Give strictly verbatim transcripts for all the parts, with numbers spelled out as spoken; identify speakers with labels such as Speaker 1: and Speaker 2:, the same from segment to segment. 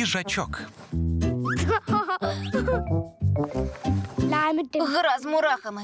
Speaker 1: їжачок.
Speaker 2: Lege med dem.
Speaker 3: Гра з мурахами.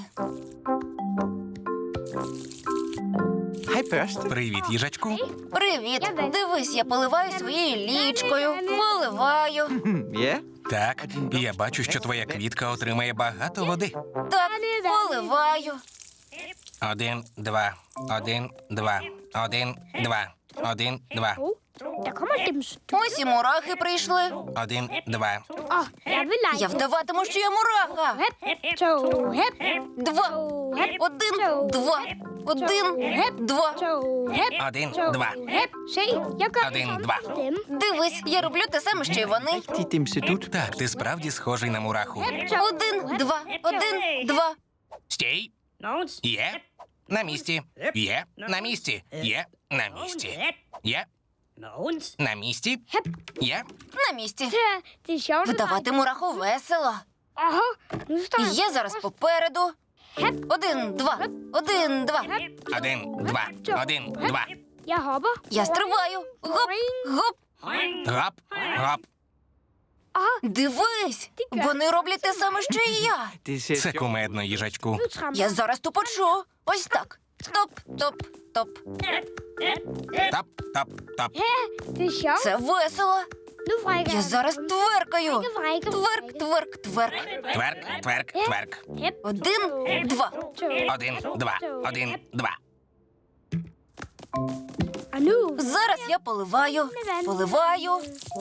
Speaker 4: Hej, Børste.
Speaker 1: Привіт, їжачку.
Speaker 3: Привіт. Дивись, я поливаю своєю лічкою. Поливаю.
Speaker 4: Hm, ja.
Speaker 1: Так, я бачу, що твоя квітка отримає багато води.
Speaker 3: Так, поливаю.
Speaker 1: Один, два, один, два, один, два, один, два,
Speaker 2: Oh, der kommer dem stå.
Speaker 3: Ось і мурахи прийшли.
Speaker 1: один, два.
Speaker 2: Åh, jeg vil lege.
Speaker 3: Я вдаватиму, що я мураха.
Speaker 2: Hep, to, hep,
Speaker 3: Два. Один, два. Один, два.
Speaker 2: to, hep,
Speaker 1: Один,
Speaker 2: to,
Speaker 1: два.
Speaker 2: hep. Se, jeg gør
Speaker 1: Один,
Speaker 2: det samme
Speaker 1: два.
Speaker 2: som dem.
Speaker 3: Дивись, я роблю те саме, що й вони.
Speaker 4: De dimsedut.
Speaker 1: Так, ти справді схожий на мураху.
Speaker 3: Один, два, один, два.
Speaker 1: Стій. Є. На місці. Є. На місці. Є. На місці. Є. На місці. Є.
Speaker 3: На місці.
Speaker 2: Ja, det er sjovt. at lege.
Speaker 3: Вдавати мураху весело.
Speaker 2: Ага, nu står jeg.
Speaker 3: Я зараз попереду. Один, два, один, два.
Speaker 1: Один, два, один, два.
Speaker 2: Jeg hopper.
Speaker 3: Я стрибаю. Гоп, гоп.
Speaker 1: Гоп, гоп.
Speaker 2: Ага,
Speaker 3: Дивись, вони роблять те саме, що і я.
Speaker 4: Det ser
Speaker 1: Це
Speaker 4: sjovt.
Speaker 1: кумедно, їжачку.
Speaker 2: nu tramper
Speaker 3: Я зараз тупочу. Ось так. Топ, топ, топ.
Speaker 1: Топ, топ, топ.
Speaker 2: Det er sjovt.
Speaker 3: Це весело.
Speaker 2: Nu frækker
Speaker 3: Я зараз тверкаю.
Speaker 2: Frække, frække,
Speaker 3: Тверк, тверк, тверк.
Speaker 1: Тверк, тверк, тверк.
Speaker 2: Hep,
Speaker 3: Один, два.
Speaker 2: to.
Speaker 1: Один, два, один, два.
Speaker 2: Og nu.
Speaker 3: Зараз я поливаю. Поливаю.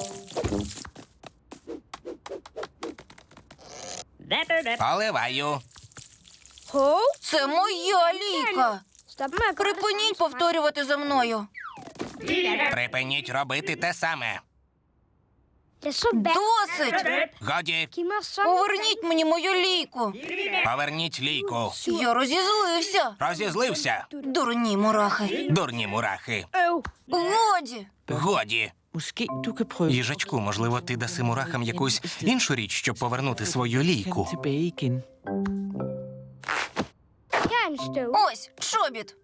Speaker 1: Поливаю.
Speaker 2: Hov,
Speaker 3: Це моя ліка.
Speaker 2: stop med at gøre det
Speaker 3: Припиніть
Speaker 2: samme.
Speaker 3: повторювати за мною.
Speaker 1: Припиніть робити те саме.
Speaker 2: Det er så værd.
Speaker 3: Досить.
Speaker 1: Годі,
Speaker 2: Giv mig sådan.
Speaker 3: Поверніть мені мою ліку.
Speaker 1: поверніть лійку.
Speaker 3: Я розізлився.
Speaker 1: Розізлився.
Speaker 3: Дурні мурахи.
Speaker 1: Дурні мурахи.
Speaker 2: Øv.
Speaker 3: Годі.
Speaker 1: Годі.
Speaker 4: Måske du kan prøve
Speaker 1: Їжачку, можливо, ти даси мурахам якусь іншу річ, щоб повернути свою
Speaker 4: Kan
Speaker 1: лійку.
Speaker 4: tilbage igen.
Speaker 2: Her er en støv.
Speaker 3: Ось, чобіт.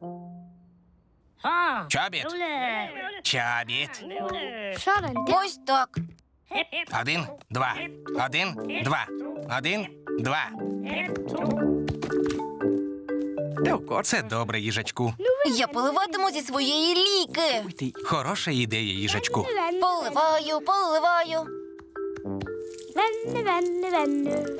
Speaker 1: Чобіт. Чобіт.
Speaker 2: Sådan der.
Speaker 3: Ось так.
Speaker 1: Один, два. Один, два. Один, два.
Speaker 4: Det var godt.
Speaker 1: Це добре, їжачку.
Speaker 3: Я поливатиму зі своєї ліки.
Speaker 4: Idé.
Speaker 1: Хороша ідея, їжачку.
Speaker 2: Vande, vande.
Speaker 3: Поливаю, поливаю.
Speaker 2: Vande, vande, vande.